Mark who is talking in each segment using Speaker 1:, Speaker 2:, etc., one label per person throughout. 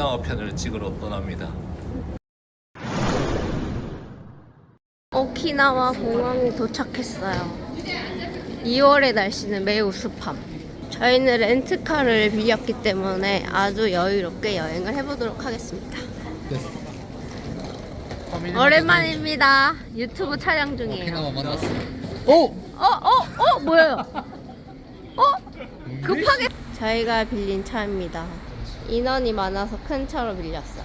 Speaker 1: 오키나와 편을 찍으러 떠납니다.
Speaker 2: 오키나와 공항에 도착했어요. 2월의 날씨는 매우 습함. 저희는 렌트카를 빌렸기 때문에 아주 여유롭게 여행을 해보도록 하겠습니다. 오랜만입니다. 유튜브 촬영 중이에요.
Speaker 1: 오키나와 만났어.
Speaker 2: 뭐예요? 급하게 저희가 빌린 차입니다. 인원이 많아서 큰 차로 빌렸어요.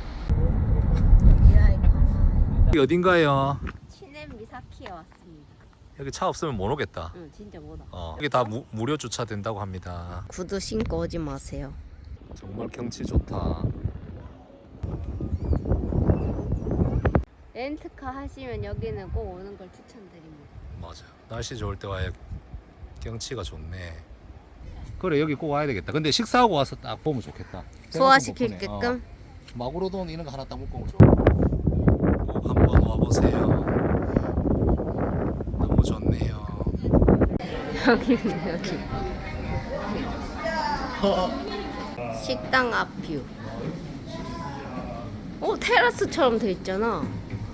Speaker 1: 여기 어딘가요?
Speaker 2: 치넨 미사키에 왔습니다.
Speaker 1: 여기 차 없으면 못 오겠다.
Speaker 2: 응, 진짜 뭐다.
Speaker 1: 여기 다 무료 주차된다고 합니다.
Speaker 2: 구두 신고 오지 마세요.
Speaker 1: 정말 경치 좋다.
Speaker 2: 렌트카 하시면 여기는 꼭 오는 걸 추천드립니다.
Speaker 1: 맞아. 날씨 좋을 때 와야 경치가 좋네. 그래 여기 꼭 와야 되겠다. 근데 식사하고 와서 딱 보면 좋겠다.
Speaker 2: 소화시키게끔.
Speaker 1: 마구로돈 이런 거 하나 딱 먹고 오면 좋아. 꼭 한번 와보세요. 너무 좋네요.
Speaker 2: 여기는 여기. 식당 앞 뷰. 테라스처럼 돼 있잖아.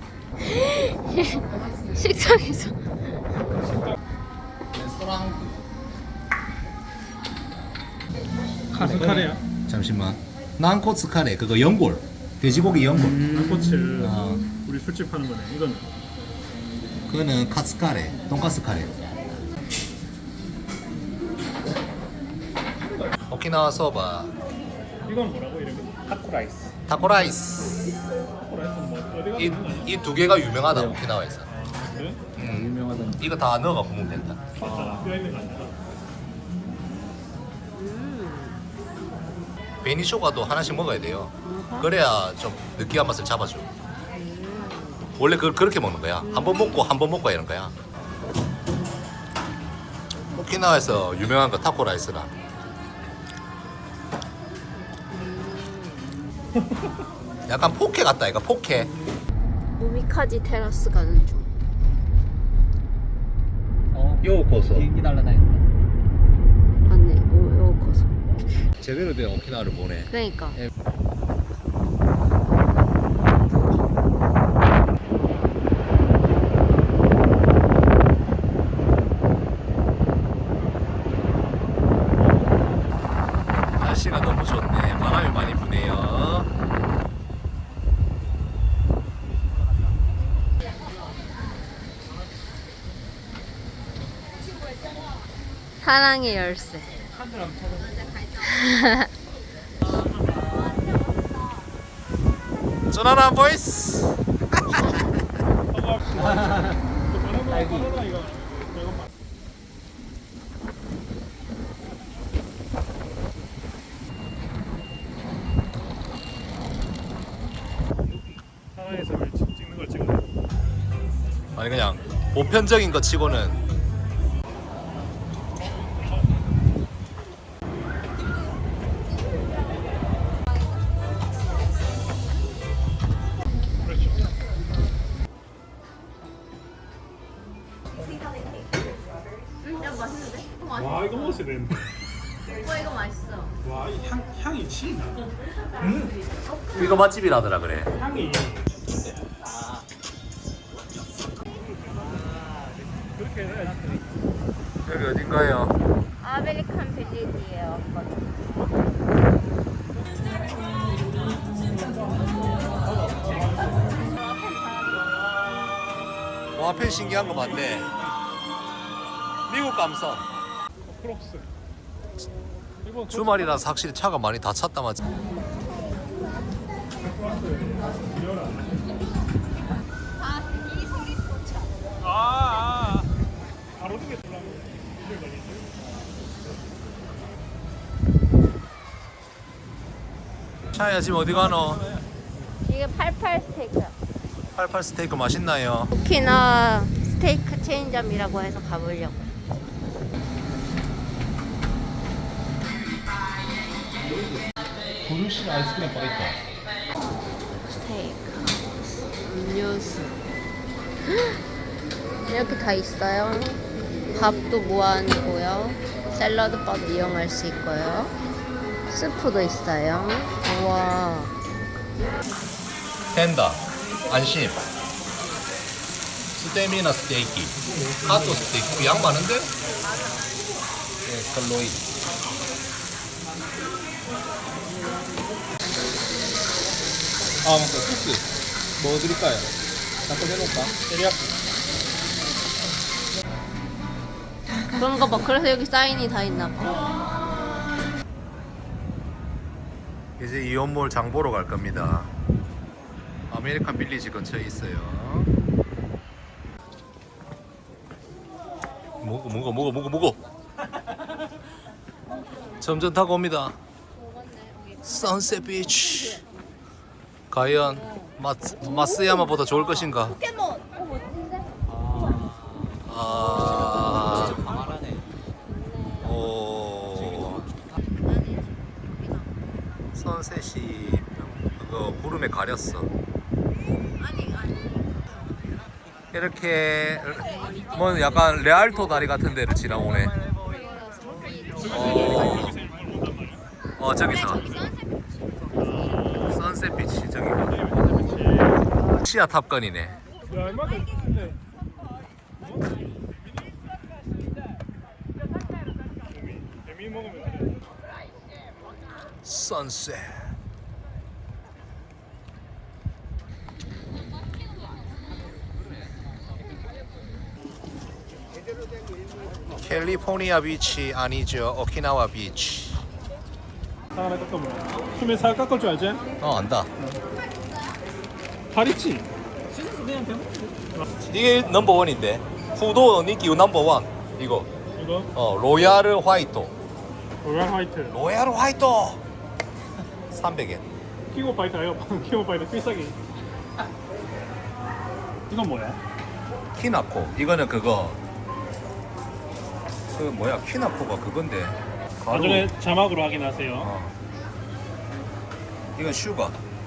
Speaker 2: 식당에서.
Speaker 1: 레스토랑.
Speaker 3: 가슴 카레야?
Speaker 1: 잠시만. 난코츠 카레 그거 연골. 돼지고기 연골.
Speaker 3: 난코츠.
Speaker 1: 아.
Speaker 3: 우리 술집 하는 거네. 이거는
Speaker 1: 그거는 카츠 카레. 돈가스 카레. 오키나와 소바.
Speaker 3: 이건 뭐라고 이름이? 타코라이스.
Speaker 1: 타코라이스.
Speaker 3: 타코라이스는 뭐 어디 가서 있는 거 아니야?
Speaker 1: 이 두 개가 유명하다 오키나와에서.
Speaker 3: 그래?
Speaker 1: 유명하다. 이거 다 넣어가 보면 된다.
Speaker 3: 맞잖아. 뼈 있는 거 아니야?
Speaker 1: 베니쇼가도 하나씩 먹어야 돼요. 그래야 좀 느끼한 맛을 잡아줘. 원래 그렇게 먹는 거야. 한 번 먹고 한 번 먹고 이런 거야. 오키나와에서 유명한 거 타코라이스라. 약간 포케 같다 이거 포케.
Speaker 2: 우미카지 테라스 가는 중.
Speaker 1: 요코소.
Speaker 4: 비행기 날라다닌다.
Speaker 2: 맞네. 요거서.
Speaker 1: 제대로 된 오키나와를 보네.
Speaker 2: 그러니까.
Speaker 1: 날씨가 너무 좋네. 바람이 많이 부네요.
Speaker 2: 사랑의 열쇠.
Speaker 1: 전화나 보이스.
Speaker 3: 상하이에서 왜 찍는 걸 찍어?
Speaker 1: 아니 그냥 보편적인 거 치고는
Speaker 3: 그렇죠.
Speaker 2: 야, 맛있는데?
Speaker 3: 와 이거 먹었어야 되는데.
Speaker 2: 이거 맛있어.
Speaker 3: 와 이 향이 치나.
Speaker 1: 이거 맛집이라더라 그래.
Speaker 3: 향이. 그렇게 해야지.
Speaker 1: 여기 어딘가요?
Speaker 2: 아메리칸 빌리지예요.
Speaker 1: 와 앞에 신기한 거 봤네. 미국 감성.
Speaker 3: 크록스. 이번
Speaker 1: 주말이라서 확실히 차가 많이 다 찼다 맞지?
Speaker 3: 바로 두개 돌라고.
Speaker 1: 차야 지금 어디 가노?
Speaker 2: 이게 88 스테이크야.
Speaker 1: 88 스테이크 맛있나요?
Speaker 2: 오키나와 스테이크 체인점이라고 해서 가보려고.
Speaker 1: 구루시 아이스크림 바 있다.
Speaker 2: 스테이크, 음료수. 이렇게 다 있어요. 밥도 무한이고요. 샐러드밥 이용할 수 있고요. 스프도 있어요. 우와.
Speaker 1: 텐다, 안심, 스테미나 스테이키, 카토 스테이키. 양 많은데? 네, 설로이.
Speaker 3: 아 맞다 소스 뭐 드릴까요? 잠깐 해놓을까? 테리야끼.
Speaker 2: 그런가 봐. 그래서 여기 사인이 다 있나 봐.
Speaker 1: 이제 이온몰 장 보러 갈 겁니다. 아메리칸 빌리지 근처에 있어요. 먹어. 점점 타고 옵니다. 선셋 비치. 과연 마스야마보다 좋을 것인가?
Speaker 2: 포켓몬. 멋진데?
Speaker 1: 아, 오, 선셋이 그거 구름에 가렸어. 이렇게 뭐 약간 레알토 다리 같은 데를 지나오네. 저기서 선셋 비치 저기가 시야 탑건이네.
Speaker 3: 야 얼마나 근데 재미 먹으면 돼.
Speaker 1: 선셋. 캘리포니아 비치 아니죠, 오키나와 비치.
Speaker 3: 하나 깎아보라. 숨에 살 깎을 줄 알지?
Speaker 1: 안다.
Speaker 3: 발 있지?
Speaker 1: 이게 넘버원인데 후도 니끼 넘버원 이거.
Speaker 3: 이거
Speaker 1: 로얄 화이토.
Speaker 3: 로얄 화이트.
Speaker 1: 로얄 화이토 300엔.
Speaker 3: 킹오 파이터 아이가 킹오 파이터 필살기. 이건 뭐야?
Speaker 1: 키나코. 이거는 그거 그 뭐야, 키나코가 그건데 가루.
Speaker 3: 나중에 자막으로 확인하세요.
Speaker 1: 이건 슈가.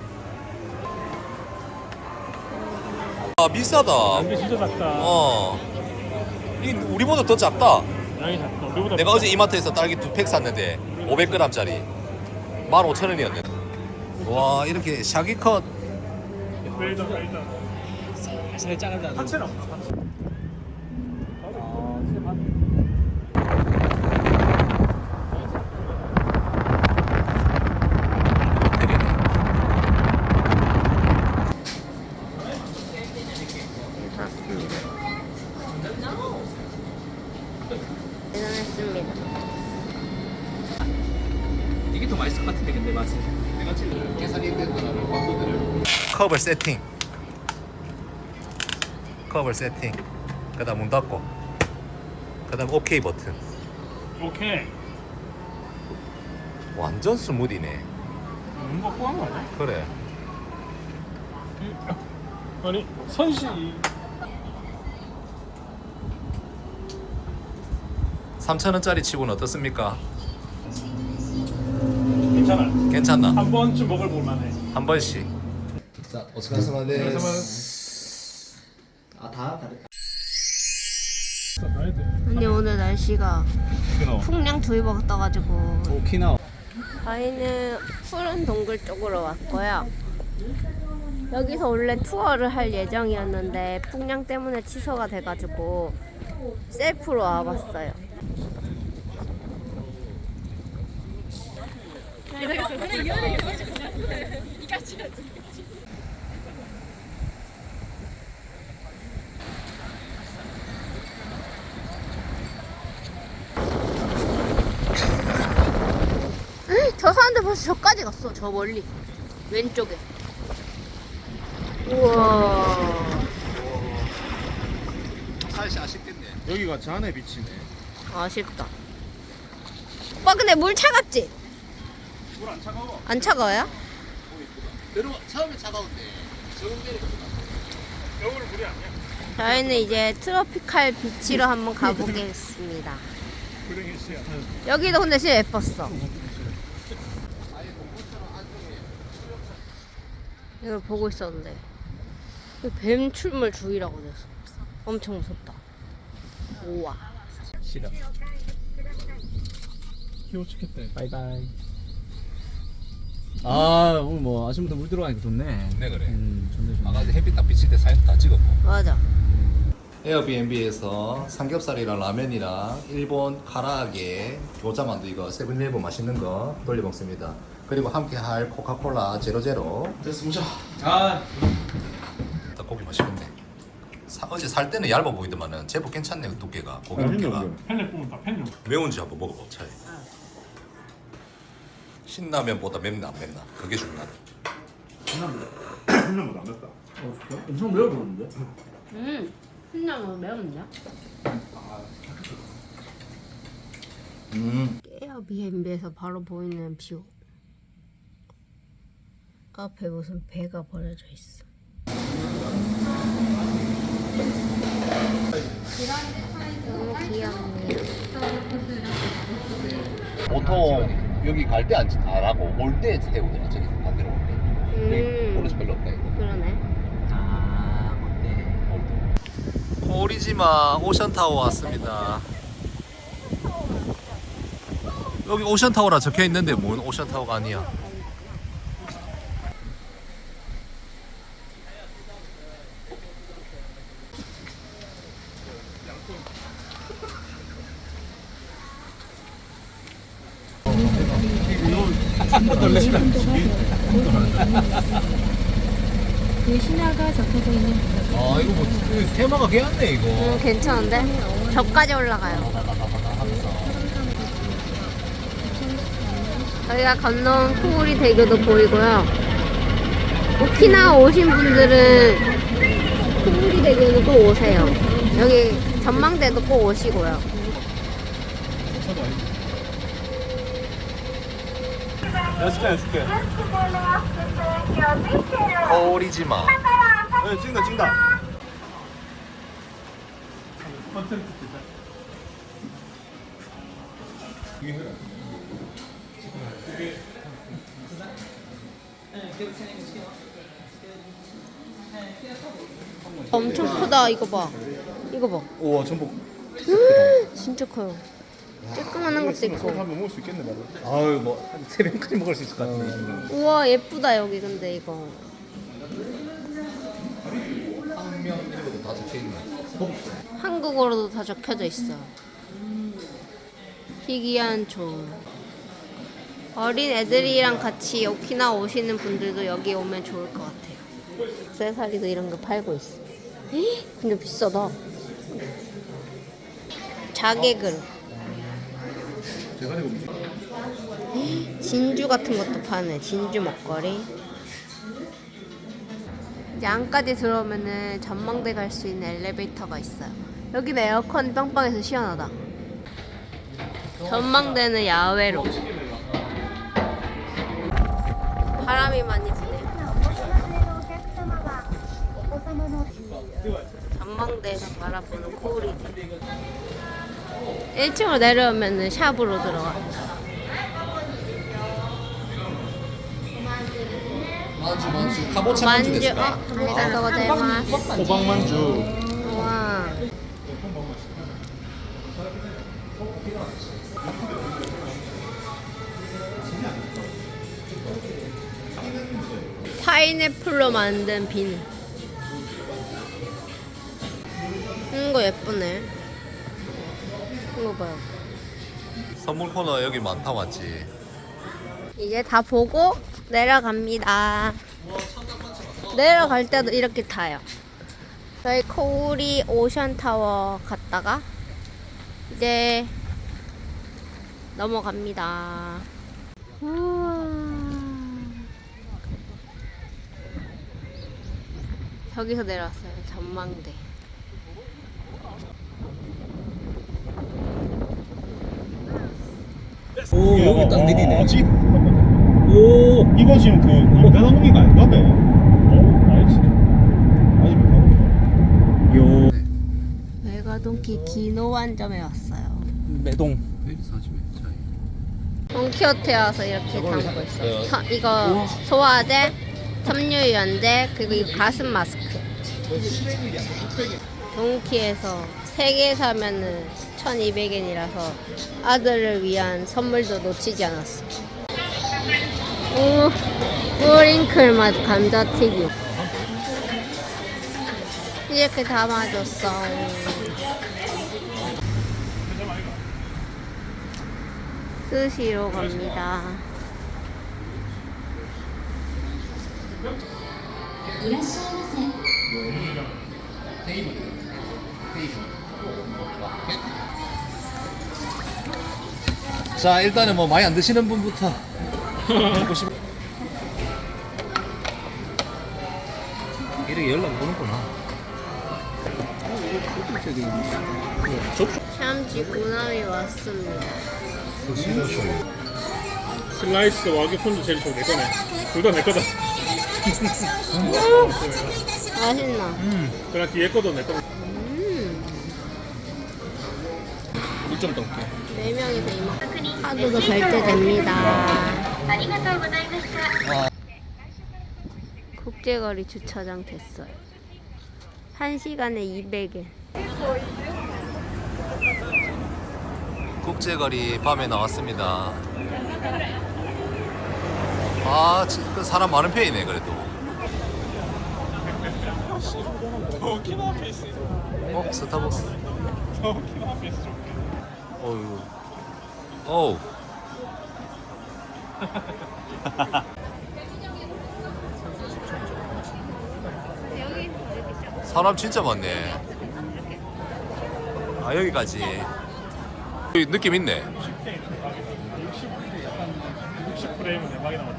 Speaker 1: 아 비싸다.
Speaker 3: 이게 진짜 작다.
Speaker 1: 이 우리보다 더 작다.
Speaker 3: 양이 작다. 우리보다
Speaker 1: 내가
Speaker 3: 비싸.
Speaker 1: 어제 이마트에서 딸기 2팩 샀는데 500g짜리 15,000원이었네. 와, 이렇게 샤기컷.
Speaker 3: 웰던.
Speaker 4: 살 작은데 안
Speaker 3: 하체는 없어. 하체.
Speaker 2: 대단했습니다.
Speaker 4: 이게 더 맛있을 것 같은데 근데 맛은
Speaker 1: 컵을 세팅. 컵을 세팅. 그다음 문 닫고. 그다음 오케이 버튼.
Speaker 3: 오케이.
Speaker 1: 완전 스무디네.
Speaker 3: 뭔가 꼬한 거 아니야?
Speaker 1: 그래.
Speaker 3: 아니 선시
Speaker 1: 3,000원짜리 치고는 어떻습니까?
Speaker 3: 괜찮아.
Speaker 1: 괜찮나?
Speaker 3: 한 번쯤 먹을 볼만해.
Speaker 1: 한 번씩. 자, 오츠카스마데.
Speaker 4: 아다 다르다.
Speaker 3: 가야 돼.
Speaker 2: 근데 오늘 날씨가 풍량 두이버가 떠가지고
Speaker 4: 오키나와.
Speaker 2: 저희는 푸른 동굴 쪽으로 왔고요. 여기서 원래 투어를 할 예정이었는데 풍량 때문에 취소가 돼가지고 셀프로 와봤어요. 저 사람들 벌써 저까지 갔어. 저 멀리 왼쪽에. 우와.
Speaker 1: 사실 아쉽겠네.
Speaker 3: 여기가 잔해 비치네.
Speaker 2: 아쉽다. 오빠 근데 물 차갑지?
Speaker 3: 물 안 차가워.
Speaker 2: 안 차가워요?
Speaker 1: 처음에 차가운데 적응 되니까.
Speaker 3: 겨울은 물이 아니야.
Speaker 2: 저희는 이제 트로피칼 비치로 한번 가보겠습니다.
Speaker 3: 불행의 시야.
Speaker 2: 여기도 근데 진짜 예뻤어. 이걸 보고 있었는데 뱀 출몰 주의라고 돼서 엄청 무섭다. 우와.
Speaker 4: 싫어.
Speaker 3: 키워 치겠다.
Speaker 4: 바이바이. 아 오늘 뭐 아침부터 물 들어가니까 좋네.
Speaker 1: 네 그래.
Speaker 4: 좋네 좋네.
Speaker 1: 아까 햇빛 딱 비칠 때 사진 다 찍었고.
Speaker 2: 맞아.
Speaker 1: 에어비앤비에서 삼겹살이랑 라면이랑 일본 카라아게 교자만두 이거 세븐일레븐 맛있는 거 돌려 먹습니다. 그리고 함께 할 코카콜라 제로제로.
Speaker 4: 됐어 보자. 아
Speaker 1: 고기 맛있겠네. 어제 살 때는 얇아 보이더만은 제법 괜찮네 두께가 고기 두께가.
Speaker 3: 팬을 보면 다 팬용.
Speaker 1: 매운지 한번 먹어봐 차이. 신라면보다 맵나 안 맵나 그게 중요하다.
Speaker 3: 팬용보다 안 맵다.
Speaker 4: 엄청 매워 보이는데?
Speaker 2: 신나면 매운데? 에어비앤비에서 바로 보이는 뷰. 앞에 무슨 배가 버려져 있어. 너무 귀엽네요.
Speaker 1: 보통 여기 갈 때 안 하고 올 때 세우더라 저기 반대로 올 때. 오른쪽 별로 없다 이거.
Speaker 2: 그러네.
Speaker 4: 아 어때?
Speaker 1: 오리지마 오션타워 왔습니다. 여기 오션타워라 적혀 있는데 뭔 오션타워가 아니야.
Speaker 5: 그 신화가 적혀져 있는
Speaker 1: 아 이거 뭐 테마가 괜찮네 이거.
Speaker 2: 괜찮은데? 저까지 올라가요. 저희가 건너온 코오리 대교도 보이고요. 오키나와 오신 분들은 코오리 대교는 꼭 오세요. 여기 전망대도 꼭 오시고요.
Speaker 3: 해줄게.
Speaker 1: 오리지마.
Speaker 3: 네, 찍는다. 컨텐츠 진짜.
Speaker 2: 엄청 크다. 이거 봐. 이거 봐.
Speaker 3: 우와 전복.
Speaker 2: 진짜 커요. 쬐끄만한 것도 있고.
Speaker 3: 한번 먹을 수 있겠네 바로.
Speaker 4: 아유 뭐한 3병까지 먹을 수 있을 것 같은데.
Speaker 2: 우와 예쁘다 여기 근데 이거.
Speaker 1: 한명 이름도 다 적혀 있네.
Speaker 2: 한국어로도 다 적혀져 있어. 희귀한 종. 어린 애들이랑 같이 오키나와 오시는 분들도 여기 오면 좋을 것 같아요. 액세서리도 이런 거 팔고 있어. 헉, 근데 비싸다. 자개 그릇. 진주 같은 것도 파네. 진주 먹거리. 이제 안까지 들어오면은 전망대 갈 수 있는 엘리베이터가 있어요. 여기는 에어컨 빵빵해서 시원하다. 전망대는 야외로. 바람이 많이 부네요. 전망대에서 바라보는 코오리들. 1층으로 내려오면은 샵으로 들어가.
Speaker 1: 만주 카보차 만주
Speaker 2: 만주,
Speaker 1: 됐을까?
Speaker 2: 감사합니다. 고자이마스.
Speaker 3: 호박만주.
Speaker 2: 와. 파인애플로 만든 비누. 이거 예쁘네. 이거 봐요.
Speaker 1: 선물 코너 여기 많다 왔지.
Speaker 2: 이제 다 보고 내려갑니다. 내려갈 때도 이렇게 타요. 저희 코오리 오션타워 갔다가 이제 넘어갑니다. 우와. 저기서 내려왔어요. 전망대.
Speaker 4: 오 여기 딱 내리네.
Speaker 3: 뭐지?
Speaker 4: 오
Speaker 3: 이거 지금 그 인간항공기가 아닌가 봐. 아니지. 아니 뭐.
Speaker 4: 요
Speaker 2: 외가동키 기노환점에 왔어요.
Speaker 4: 매동.
Speaker 2: 돈키호테 와서 이렇게 담고 있어요. 이거 소화제, 섬유유연제, 그리고 이거 가슴 마스크. 돈키에서 3개 사면은 1200엔이라서 아들을 위한 선물도 놓치지 않았어. 뿌링클 맛 감자튀김. 이렇게 담아줬어. 스시로 갑니다.
Speaker 1: 자, 일단은 뭐 많이 안 드시는 분부터 먹고 싶. 이렇게 연락 오는구나.
Speaker 2: 샴지 구남이 왔습니다.
Speaker 3: 슬라이스 와규 폰도 제일 좋아. 내 거네. 둘 다 내 거다.
Speaker 2: 맛있나?
Speaker 3: 그냥 뒤에 거도 내 거다.
Speaker 4: 물좀 떠올게.
Speaker 2: 4명이서 이만 카드도 결제됩니다. 국제거리 주차장 됐어요. 1시간에 200엔.
Speaker 1: 국제거리 밤에 나왔습니다. 아, 그 사람 많은 편이네 그래도. 스타벅스. 어유. 어우. 사람 진짜 많네. 아, 여기까지. 여기 느낌 있네.
Speaker 3: 60프레임은 대박이 나왔지.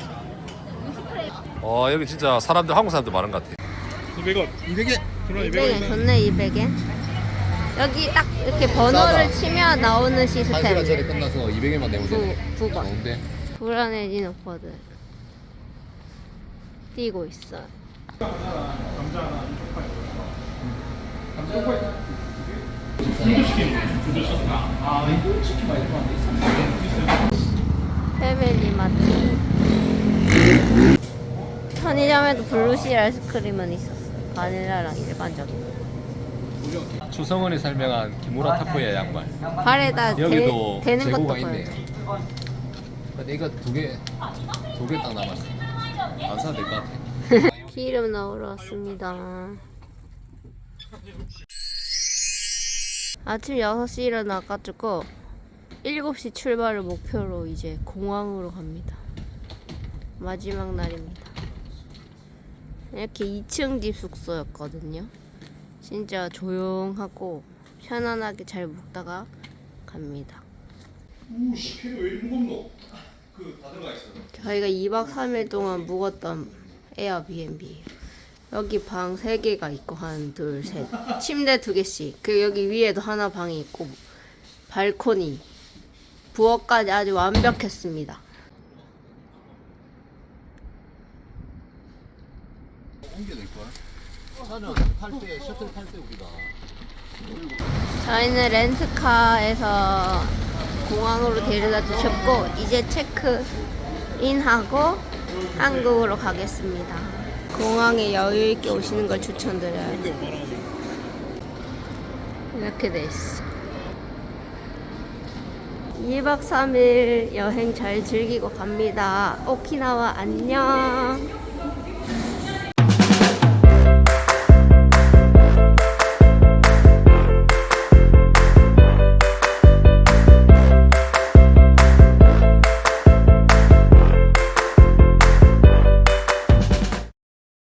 Speaker 1: 여기 진짜 사람들, 한국 사람들 많은 것 같아.
Speaker 3: 200원.
Speaker 4: 200엔.
Speaker 2: 200엔 좋네. 200엔. 여기 딱 이렇게 번호를 치면 나오는 시스템.
Speaker 1: 끝나서 200엔만 내면
Speaker 2: 9번.
Speaker 1: 좋은데.
Speaker 2: 불안해진 오빠들 뛰고 있어요. 패밀리마트. 편의점에도 블루실 아이스크림은 있었어요. 바닐라랑 일반적인.
Speaker 1: 추성원이 설명한 기무라 타코야 양말.
Speaker 2: 발에다
Speaker 1: 여기도
Speaker 2: 대는 것도
Speaker 1: 재고가
Speaker 2: 보여요.
Speaker 1: 있네요. 근데 이거 두 개 딱 남았어. 안 사도 될 것 같아.
Speaker 2: 기름 넣으러 왔습니다. 아침 6시 일어나가지고 7시 출발을 목표로 이제 공항으로 갑니다. 마지막 날입니다. 이렇게 2층 집 숙소였거든요. 진짜 조용하고 편안하게 잘 묵다가 갑니다.
Speaker 3: 우씨, 피를 왜 이리 무겁노? 다 들어가 있어.
Speaker 2: 저희가 2박 3일 동안 묵었던 에어비앤비. 여기 방 3개가 있고 한 둘, 셋. 침대 2개씩. 그리고 여기 위에도 하나 방이 있고 발코니. 부엌까지 아주 완벽했습니다.
Speaker 1: 차는 탈 때 셔틀 탈 때 우리가
Speaker 2: 저희는 렌트카에서 공항으로 데려다 주셨고 이제 체크인하고 한국으로 가겠습니다. 공항에 여유 있게 오시는 걸 추천드려요. 이렇게 돼 있어. 2박 3일 여행 잘 즐기고 갑니다. 오키나와 안녕.